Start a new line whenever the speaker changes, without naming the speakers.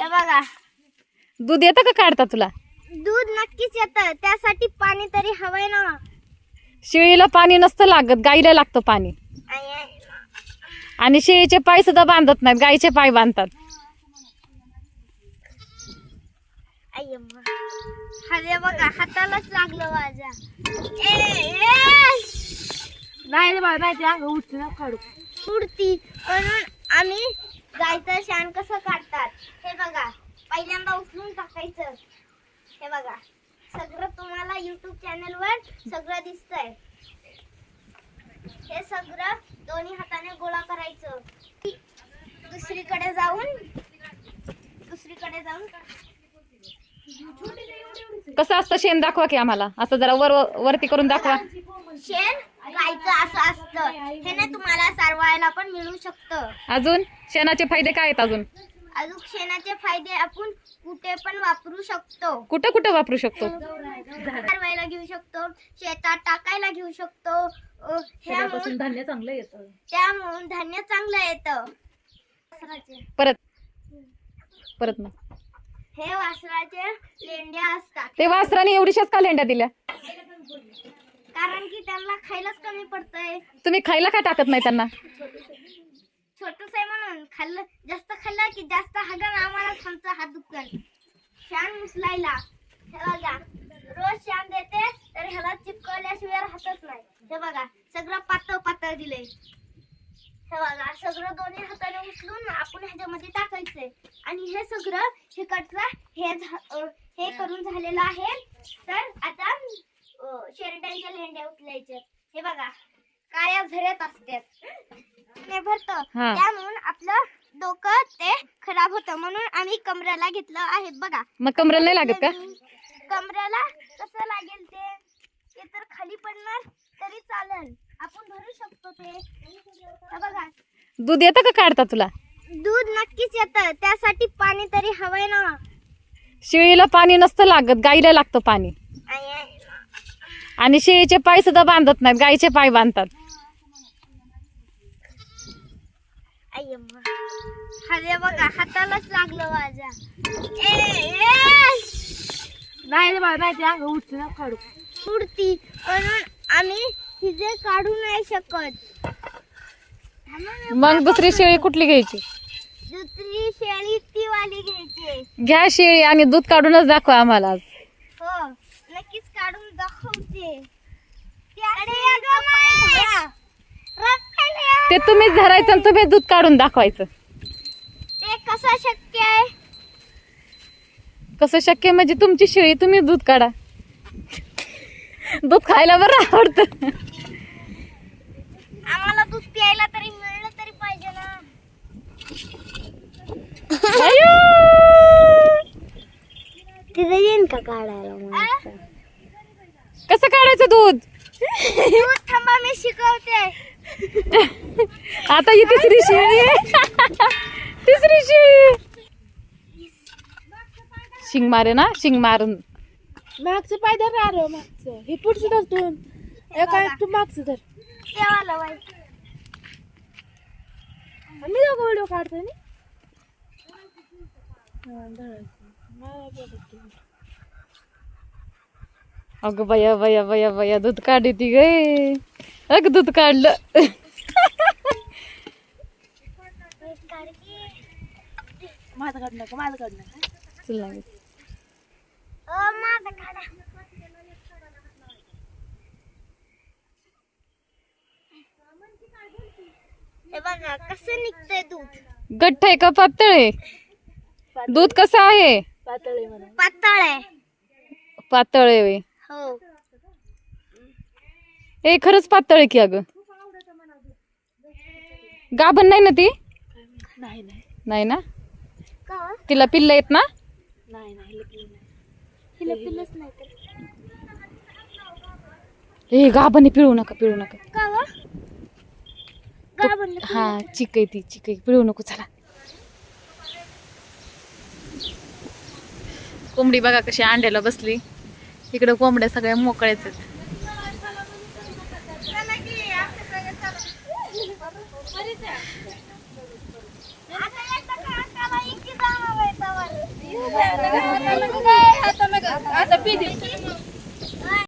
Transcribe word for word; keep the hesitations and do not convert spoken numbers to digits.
हे बघा,
दूध येतं का काढता तुला?
दूध नक्कीच येतं, त्यासाठी पाणी तरी हवंय ना.
शेळीला पाणी नसतं लागत, गाईला लागतं पाणी. आणि शेळीचे पाय सुद्धा बांधत नाहीत, गाईचे पाय बांधतात.
अरे बघा, हातालाच लागलं माझ्या. नाही बाबा, नाही ते अंग उठते ना काढू उडती. म्हणून आम्ही गायचं शान कसं काढतात हे बघा. पहिल्यांदा उचलून टाकायचं. हे बघा, सगळं तुम्हाला युट्यूब चॅनल वर सगळं दिसतंय. हे सगळं दोन्ही हाताने गोळा करायचं. दुसरीकडे जाऊन दुसरीकडे जाऊन
कसं असतं शेण दाखवा की आम्हाला, असं जरा वर वरती करून दाखवा.
शेण गायचं असं असतं. हे ना तुम्हाला सारवायला पण मिळू शकतं.
अजून शेणाचे फायदे काय आहेत? अजून
अजून शेणाचे फायदे आपण कुठे पण वापरू शकतो.
कुठं कुठं वापरू शकतो?
सारवायला घेऊ शकतो, शेतात टाकायला घेऊ शकतो. ह्यापासून
धान्य चांगलं येतं,
त्यामुळे धान्य चांगलं येतं.
परत परत ना
हे वासराचे लेंड्या असतात.
ते वासराने एवढीशाच का लेंड्या दिल्या?
कारण की त्यांना खायलाच कमी पडतंय.
तुम्ही खायला का टाकत नाही त्यांना?
छोटस आहे म्हणून. खाल्लं जास्त खाल्लं की जास्त हागण आम्हाला आमचा हात दुखल. शान मुसलायला हे बघा, रोज शान देते तर ह्याला चिपकवल्याशिवाय राहतच नाही. हे बघा, सगळं पातळ पातळ दिलंय. हे बघा, सगळं दोन्ही हाताने उचलून आपण ह्याच्यामध्ये टाकायचंय. आणि हे सगळं हिकडचं हे हे करून झालेलं आहे. तर आता शेरड्यांच्या लेंड्या उचलायच्या. हे बघा, काळ्या झऱ्यात असतात, ते भरतं. त्यामुळे आपलं डोकं ते खराब होतं, म्हणून आम्ही कमरेला घेतलं आहे. बघा,
मग कमरेला नाही लागत का?
कमरेला कसं लागेल ते ते तर खाली पडणार तरी चालेल, आपण भरू शकतो ते. हे बघा,
दूध येतं का काढता तुला?
दूध नक्कीच येतं, त्यासाठी पाणी तरी हवंय ना.
शेळीला पाणी नसतं लागत, गाईला लागतं पाणी. आणि शेळीचे पाय सुद्धा बांधत नाहीत, गाईचे पाय बांधतात.
अरे बघा, हातालाच लागलं माझ्या. नाही बाबा, नाही ते अंग उठते ना काढू उडती. म्हणून आम्ही तिथे काढू नाही शकत.
मग दुसरी शेळी कुठली घ्यायची?
दुसरी शेळी ती वाली घ्यायची.
घ्या शेळी आणि दूध काढूनच दाखवा आम्हाला.
हो, नक्कीच काढून दाखवते.
ते तुम्हीच धरायचं आणि तुम्ही दूध काढून दाखवायचं.
ते कसं शक्य आहे?
कसं शक्य म्हणजे तुमची शेळी, तुम्ही दूध काढा. दूध खायला बरं आवडतं.
आम्हाला दूध प्यायला तरी मिळलं तरी पाहिजे ना. तिथे येईन का काढायला?
कसं काढायचं दूध?
दूध थांबा, मी शिकवते.
आता ही तिसरी शेळी आहे. तिसरी शेळी शिंग मारे ना, शिंग मारून
मागचं पाय धर. अरे मागचं, हे पुढचं धर. दोन एका तू मागचं धर. तेव्हा बाई मी दोघं व्हिडिओ काढतोय ना.
अगं बया बया बया बया, दूध काढी ती गे. अग दूध काढलं.
माझं काढ नका, माझं काढ नका.
चल ना.
माझं काढा. हे बघा कसं निघतंय दूध.
गठ्ठ आहे का पातळ आहे? दूध कसं आहे?
पातळ आहे म्हणा. पातळ आहे.
पातळ आहे.
हो,
हे खरंच पातळ आहे की. अगं गाभण नाही ना ती?
नाही नाही
नाही ना.
का?
तिला पिल्ल आहेत ना?
नाही नाही, हिला पिल्लच नाही तर.
हे गाभण पिळू नका, पिळू नका.
का व? गाभण
हा, चिक आहे ती, चिक आहे, पिळू नको. चला. कोंबडी बघा कशी अंड्याला बसली. इकडे कोंबड्या सगळ्या मोकळ्याच आहेत.
आता एकदा का अंगाला इतकी जाणवं आहे तवर.
आता पी दे